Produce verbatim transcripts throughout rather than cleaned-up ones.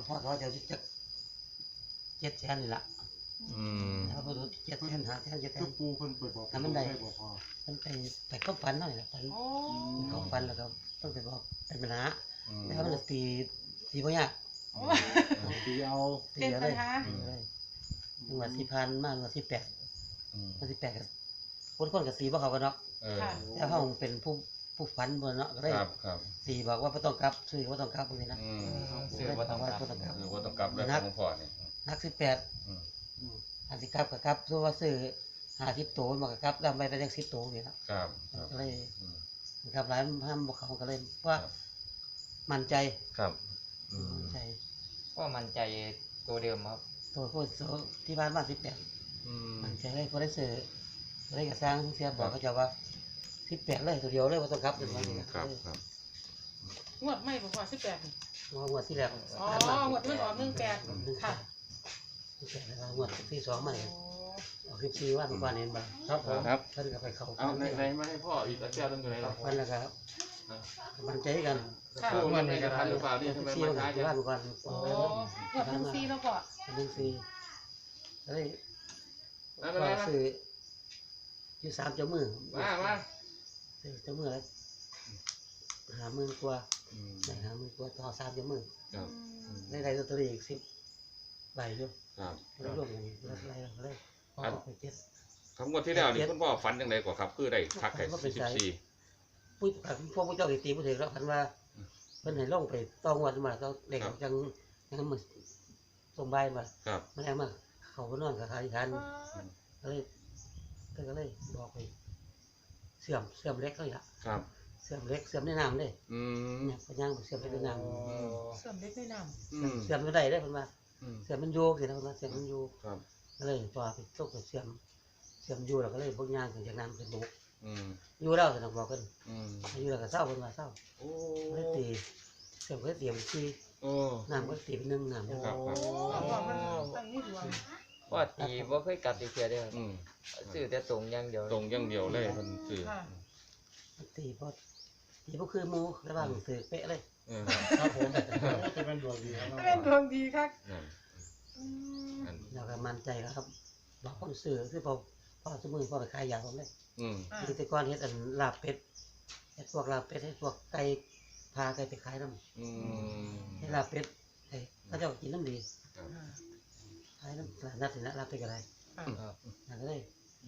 พ่อเขาจะจะเจ็ดแสนนี่ละอืมแล้วพอรู้เจ็ดแสนหาแสนเจ็ดแสทุนกปูเพิ่นเปิดบอกทำมันได้บอกพอมันไปไปเข้าฟันหน่อยละฟันโอ้เข้าฟันแล้วก็ต้องไปบอกเป็นปัญหาอืมแล้วมันตีตีพ่อยากตีเอาตีเป็นอะปัไรญหาตีอะไรจังหวัดที่พันมากจังหวัดที่แปดอืมจังหวัดที่แปดกับคนคนกับตีบ่เขากันเนาะเออแต่เขาเป็นผู้ผู้ฝันบนเนาะก็เลยครับครับตีบอกว่าไม่ต้องกลับซื้อว่าต้องกลับพวกนี้นะอืมซื้อว่าต้องกลับบ่ต้องกลับคือว่าต้องกลับแล้วของพ่อนี่นักสิบแปดอืมอันสิกลับกับกลับส่วนว่าซื้อห้าสิบตัวมันก็กลับแล้วไปได้ยังสิบตัวนี่ละครับครับก็เลยอืมครับร้านห้ามบอกเขาก็เลยว่ามั่นใจครับอืมมั่นใจก็มั่นใจตัวเดิมครับตัวผู้ที่บ้านบ้านสิบแปดอืมมั่นใจเลยพอได้ซื้อได้กระสร้างเสียบอกเขาจะว่าสิบแปดเลยตัวเดียวเลยว่าต้องกลับเป็นวันนี้ครับครับงวดไม่บอกว่าสิบแปดงวดที่แล้วอ๋อ งวดที่มันออกหนึ่งแปดค่ะสิบแปดแล้วงวดที่สองมาเนี่ยโอ้ออกสิบสี่วันก่อนเห็นบ้างครับผมครับท่านก็ไปเขาเอาในในมาให้พ่ออีกอาจารย์นึงอยู่ไหนล่ะวันแล้วครับมั่นใจกันค่ะคู่มันในกระทันหรือเปล่านี่สิทำบไมสี่มาวันช้าจัวันงก่อนโอ้งวดหนึ่งสี่แล้วก็หนึ่งสี่เฮ้ยมามาก็มาซื้ออยู่สามเจ้ามือมามาซื้อเจ้ามือแล้วหาหมื่นกว่าอืมได้หาหมื่นกว่าต่อสามเจ้ามือครับได้ได้ลอตเตอรี่อีกสิบใบอยู่ครับแล้วรวมกันแล้วอะไรเลยพอออกไปเจ็ดคำงวดที่แล้วนี่คุณพ่อฝันยังไงกว่าครับ คือได้พักแค่ว่าเป็นสิบสายสี่ปุ้ยพวกพวกเจ้าตีผู้ถือแล้วพันว่าเพิ่นให้ลงไปต้องวันมาต้องเด็กจังยังมันส่งใบมาครับมันแรงมาเขาก็นอนกับทานทานก็เลยก็เลยบอกไปเสื่อมเสื่อมเล็กเลยละครับเสื่อมเล็กเสื่อมในน้ำเลยอืมเนี่ยพยังเสื่อมในน้เสื่อมเล็กไม่นอืมำเสื่อมไม่ได้ได้เพิ่นว่าอืมเสื่อมมันโยกสินะเพิ่นว่าเสื่อมมันโยกครับก็เลยตัวไปตกไปเสื่อมเสื่อมอยู่แล้วก็เลยพวกย่างถึงจากน้ำเป็นบุกอืมอยู่แล้วแต่ต้องบอกกันอืมอยู่แล้วก็เศร้าเพิ่นว่าเศร้าโอ้ก็เลยตีเสื่อมก็เลยตีเป็นสี่โอ้น้ำก็ตีเป็นหนึ่งน้ำครับครับำเอาบอกมันตั้งนี่ดวงพ่อตีบ่เคยกลับอีกเทียเด้ออืมซื้อแต่ตรงอย่างเดียวตรงอย่างเดียวเลยมันคือค่ะตีพอตีพวกคือหมูระหว่างถือเป๊ะเลยเออครับผมจะเป็นดวงดีครับเป็นดวงดีครับนั่นอืมนั่นแล้วก็มั่นใจครับบอกคนซื้อคือพอพ่อสมุนพ่อไปขายยาผมเลยอืมอ่าที่แต่ก่อนเฮ็ดอันลาบเป็ดเฮ็ดพวกลาบเป็ดให้พวกไก่พาไก่ไปขายน้ำอืมให้ลาบเป็ดให้เขาเจ้ากินน้ำดีครับอ่าขายน้ำตลาดนัดนี่นะลาบเป็ดก็ได้ค่ะครับนั่นก็เลย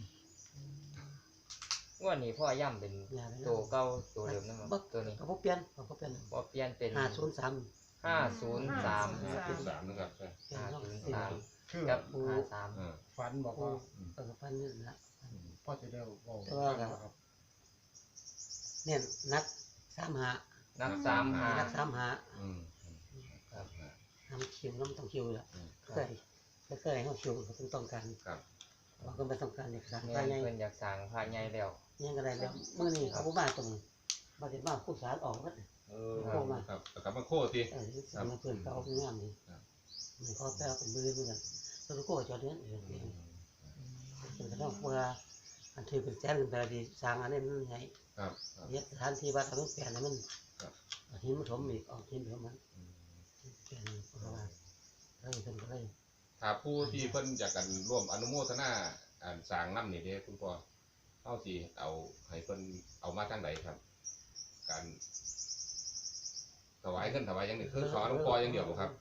งวดนี้พ่อย่ำเป็นยาไปตัวเก่าตัวเดิมนะคบ่รับตัวนี้ก็บ่เปลี่ยนก็บ่เปลี่ยนบ่เปลี่ยนเป็นห้าศูนย์สามห้าศูนย์สามห้าจุดสามนะครับใช่เปลี่ยนห้าเนาะศูนย์สี่สามคือกับห้าสามอ่าฝันบอกโอ้ว่าเออพันนี่ละพ่อจะได้บอกแต่ว่าครับ เนี่ยนักสามหานับสามหานักสามหาอืมครับน้ำคิวน้ำต้องคิวละอืมเคยเคยให้เขาคิวเขาต้องการครับเราก็ไม่ต้องการเอกสารแม่ภายในเพิ่นอยากสั่งภายในแล้วยังก็ได้แล้วเมื่อนี้เขาผู้บ้านตรงมาถึงบ้านผู้สารออกแล้วเออครับกลับมาโคตรทีเออสามเพื่อนเขาเอางานนี่ครับมันพอแปลเป็นมือเหมือนกันแล้วก็จอดเนี้ยเออเป็นกระทั่งเวลาอันถือเป็นแจ้งเป็นแต่ดีสร้างอันนี้มันไงครับครับเนี่ยสถานที่วัดทำให้เปลี่ยนมันครับหินมันถมอีกออกหินถมมันอืมเปลี่ยนเพราะว่าเออเป็นก็เลยถ้าผู้ที่เพิ่นอยากกันร่วมอนุโมทนาอ่านสร้างน้ำนี่เด้คุณพ่อเอาสิเอาให้เพิ่นเอามาทางไหนครับ การถวายขึ้นถวายอย่างนี้คือขอหลวงพ่ออย่างเดียวบ่ครับ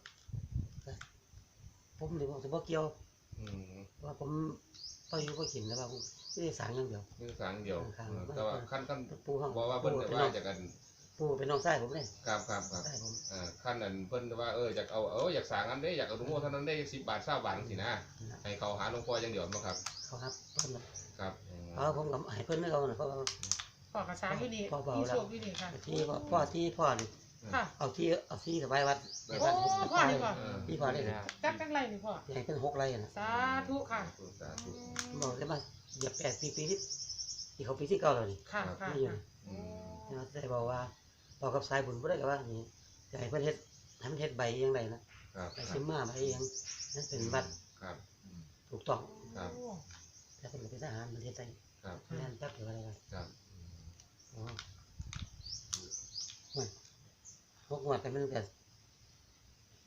ผมเดี๋ยวผมจะบอกเกี่ยวอืมว่าผมไปอยู่ก็กินแล้วว่าผมไม่ได้สั่งอย่างเดียวคือสร้างเดียวครับเออแต่ว่าขั้นขั้นปูห้องบอกว่าเพิ่นปูจะเป็นว่าน้องจากกันปูเป็นน้องชายผมเลยครับครับครับชายผมอ่าขั้นนั้นเพิ่นว่าเอออยากเอาเอออยากสร้างอันเด้อยากเอาอนุโมทนานั้นได้สิบบาทเก้าบาทสินะให้เขาหาหลวงพ่ออย่างเดียวบ่ครับเขาครับเพิ่นครับอืมเขาผมกับให้เพิ่นไม่เอานะเพราะว่าพ่อกระช้างที่นี่พ่อเบาที่แล้วโชคที่นี่ค่ะที่พ่อพ่อที่พ่อนี่ค่ะเอาที่เอาที่ถวายวัดได้โอ้ครับพ่อนี่ก่อนเออที่พ่อได้จักจังไรนี่พ่อใหญ่เป็นหกไร่นะสาธุค่ะสาธุบอกได้มาเหยียบแปดปีปีที่ที่เขาปีที่เก้าแล้วนี่ค่ะค่ะไม่อยู่ค่ะอืมนะแต่บอกว่าบอกกับสายบุญบ่ได้กับว่านี่จะให้เพิ่นเฮ็ดให้มันเฮ็ดใบยังไงนะครับ ใบซิมมาใบยังนั่นเป็นวัดครับอืมถูกต้องครับโอ้แต่เป็นเป็นทหารมันเฮ็ดได้ครับแม่นจักหรืออะไรกันครับอ๋อโอ้ยหกงวดแต่มันก็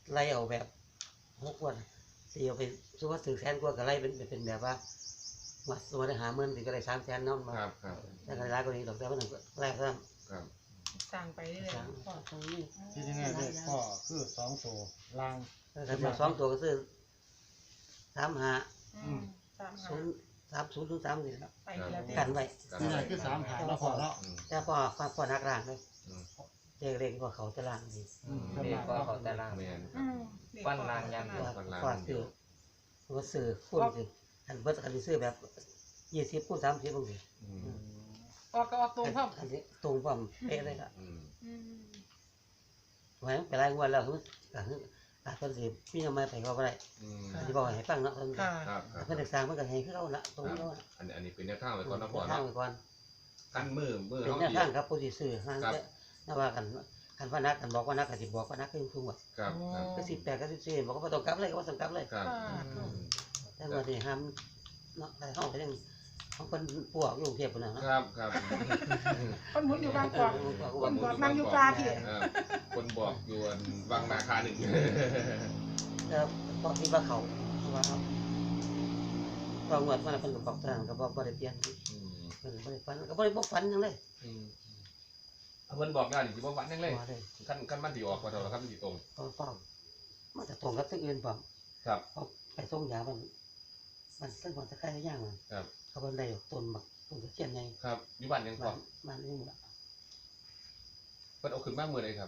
ไล่เอาแบบหกวันสี่เอาไปสมมติว่าสื่อแสนกว่าก็ไล่เป็นเป็นแบบว่าวัดสมมติหาเงินถึงก็ได้สามแสนเนาะมาครับครับแต่ก็ได้ก็นี้ดอกแต่ว่าหนึ่งไล่เพิ่มครับสั่งไปเรื่อยสามๆพ่อตรงนี้ที่แน่ๆเลขพ่อคือสองตัวล่างถ้ามาสองตัวก็ซื้อสามหาอืมสามหาศูนย์สามศูนย์ถึงสามนี่ครับไปแล้วเด้กันไว้นี่แหละคือสามหางแล้วพ่อเนาะอืมแต่พอพอพอนักล่างเลยอืมเรียกเรียกว่าเขาจะล่างดีอืมเด็กก็เขาแต่ล่างแม่นอืมปั้นรางยังว่าพอซื้อว่าซื้อคูณสิอันเบิดอันนี้ซื้อแบบยี่สิบคูณสามสิบบางทีอืมออกก็ออกตรงพ่ออันนี้ตรงความเป๊ะเลยละอืมอืมไว้ไปไล่งวดแล้วคือก็คืออาจจะสิพี่ทำไมไปเขาบ่ได้อืมที่บอกให้ฟังเนาะเพิ่นค่ะครับครับเพิ่นศึกษามันก็ให้คือเราละตรงเราละอันนี้อันนี้เป็นแนวทางไว้ก่อนนะพ่อทางเนาะไว้ก่อนกันมือมือเป็นเฮาแนวดีทางครับผู้ที่ซื้อห้างครับแต่ว่ากันคันว่านักกันบอกว่านักก็สิบอกว่านักคือคือว่าครับครับก็สิบแปดก็สิบสี่บอกว่าบ่ต้องกลับเลยก็บ่ต้องกลับเลยครับค่ะแต่ว่านี่ห้ามเนาะได้เฮาก็ยังของเพิ่นปวกอยู่กรุงเทพพุ่นน่ะเนาะครับครับคนหมุนอยู่บางกอก คนบอกนั่งอยู่ปลาพี่เออคนบอกอยู่อันวังนาคาหนึ่งแล้วพอที่ว่าเขาว่าเอาว่างวดมันเพิ่นก็บอกทางก็บ่บ่ได้เปลี่ยนอืมเพิ่นบ่ได้ฝันก็บ่ได้บ่ฝันหยังเลยอืมเอาเพิ่นบอกแล้วนี่สิบ่ฝันยังเลยบ่เลยขั้นขั้นมันสิออกมาเท่าไหร่ครับมันสิตรงพอฟ้องมันจะตรงกับที่อื่นฟ้องครับพอไปส่งยามันมันเส้นความตะไคร้ย่างมันครับเขาเป็นได้ต้นบักต้นตะเคียนไงครับอยู่บ้านยังพมัอนมันนี่หมดละเพิ่นเอาขึ้นมาเมื่อใดครับ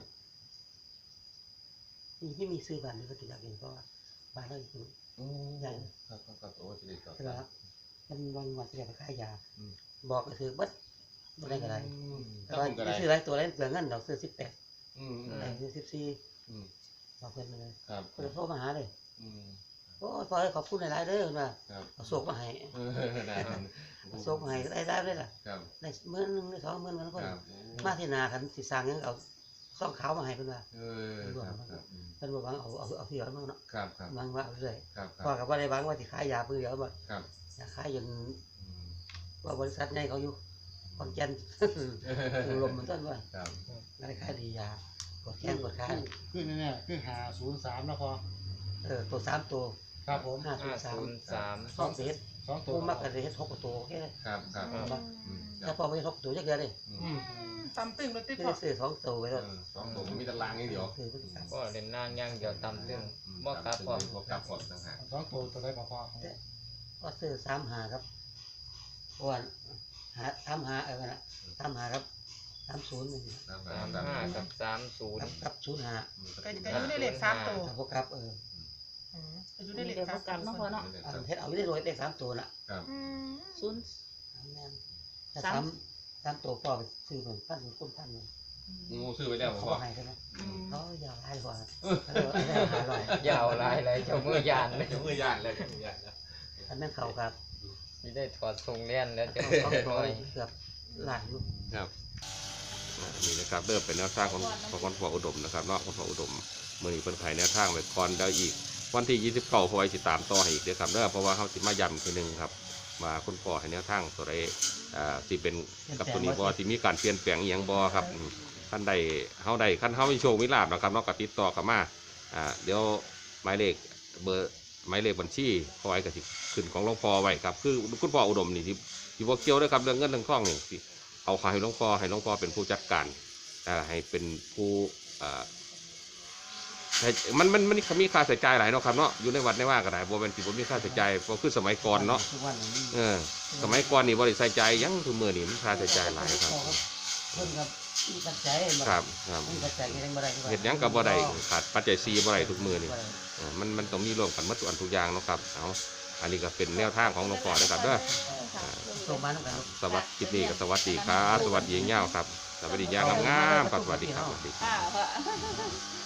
นี่ไม่มีซื้อบ้านเลยก็ติดอยากเห็นเพราะว่าบ้านเราอยู่อืมใหญ่ครับครับครับโอ้สิได้ครับใช่ไหมครับมันวันวันจะไปขายยาอืมบอกก็คือบัดบ่ได้ก็ได้อืมแต่ถ้าว่าผมก็ได้ซื้อหลายตัวหลายเปลืองเงินดอกซื้อสิบแปดอืมอืมได้ซื้อสิบสี่อืมบอกเพิ่นเลยครับเพิ่นโทรมาหาเลยอืมโอ้ยพอขอบคุณหลายๆเด้อเพิ่นว่าครับเอาโศกมาให้เออได้ครับเอาโศกมาให้ได้ได้เลยล่ะครับได้หมื่นหนึงได้สองหมื่นมันคเพิ่นรับมาที่นาคันสิสร้างหยังเอาซ่องขาวมาให้เพิ่นว่าเออครับครับอืมเพิ่นบ่หวังเอาเอาเอาที่เอามาเนาะครับครับหวังว่าเอาเรื่อยครับคพ่อรับก็บ่ได้หวังว่าสิขายยาเพื่อเดียวบ่ครับอยากขายจนอืมว่าบริษัทใหญ่เขาอยู่ขอนแก่น อยู่ลมมันต้นว่าครับได้ขายดียากดแข้งกดขาคือแน่ๆคือหาศูนย์สามแล้วพ่อเออตัวสามตัวครับผมห้าศูห้านย์สามศูนย์สามสองเศษสองตัวผู้มักกันเลยเฮ็ดหกตัวโอเคเลยครับครับอืมอืมคถ้ารับพอไม่หกตัวจักเดือนเลยอือืมมตำตึงรถติดคือพ่อได้ซื้อสองตัวไว้เอแล้วอสองตัวมันมีตารางอย่างเดียวคือพฤติกรรมก็เล่นนางย่างเดียวตำซึ่งอืมบ่กลับพร้อมบ่กลับพร้อมต่างหากสองตัวตัวได้กับพ่อก็ซื้อสามหาครับเพราะว่าหาสามหาเออนะสามหาครับสามศูนย์นี่ต่างสาหากมต่างห้าหากกับสามศูนครัย์บครับศูนย์หาอืมก็ก็อยู่ในเลขสามตัวครับพวกครับเอออืมก็อยู่ในเลขสามตัวเนาะพ่อเนาะอันเฮ็ดเอาอยู่ได้รวยได้สามตัวน่ะครับอืมศูนย์แม่นแต่สามสามสามตัวพ่อไปซื้อเหมือนพันเหมือนคนพันเลยงูซื้อไปแล้วเขาพ่อให้ใช่ไหมอืมเขาอยาวหลายกว่าเขาเลยเอาได้หาร้อยยาวหลายเลยเจ้ามือยานเลยเดี๋ยวมือยานเลยเดี๋ยวมือยานแล้วอันนั้นเขาครับนี่ได้ถอดทรงเลียนแล้วเจะเขาหเขาน่อยเกือบล้านอยู่ครับอ่านี่นะครับเริ่มเป็นแนวทางของของคนพ่ออุดมนะครับเนาะคนพ่ออุดมมือนี้เป็นไขแนวทางไว้ก่อนแล้วอีก วันที่ยี่สิบเก้าพอไว้สิตามต่อให้อีกเด้อครับเด้อเพราะว่าเขาสิมาย้ำทีหนึงครับมาคุณพ่อให้แนวทางตัวใดอ่าสิเป็นกับตัวนี้บ่สิมีการเปลี่ยนแปลงอีหยังบ่ครับอืมขั้นใดเฮาใดขั้นเฮามีโชคมีลาภนะครับเนาะก็ติดต่อเข้ามาอ่าเดี๋ยวหมายเลขเบอร์หมายเลขบัญชีพอไว้ก็สิขึ้นของหลวงพ่อไว้ครับคือคุณพ่ออุดมนี่ที่ที่บ่เกี่ยวเด้อครับเรื่องเงินเรื่องทองนี่สิเอาขายให้หลวงพ่อให้หลวงพ่อเป็นผู้จัดการอ่าให้เป็นผู้อ่า ใช่มันมันมันมีค่าใช้จ่ายหลายเนาะครับเนาะอยู่ในวัดในว่าก็ได้บ่เป็นสิบ่มีค่าใช้จ่ายบ่คือสมัยก่อนเนาะทุกวันนี้เออสมัยก่อนนี่บ่ได้ใส่ใจหยังทุกมื้อนี่มันค่าใช้จ่ายหลายครับเพิ่นครับมีปัจจัยมาครับครับมีปัจจัยเฮ็ดบ่ได้เฮ็ดหยังก็บ่ได้ขาดปัจจัยสี่บ่ได้ทุกมื้อนี่เออมันมันต้องมีรวมกันหมดทุกอันทุกอย่างเนาะครับเอาอันนี้ก็เป็นแนวทางของหลวงพ่อนะครับเด้อส่งมาแล้วกันสวัสดีคลิปนี้ก็สวัสดีครับสวัสดียาวครับสวัสดียาวงามๆครับสวัสดีครับสวัสดีอ่าพ่อ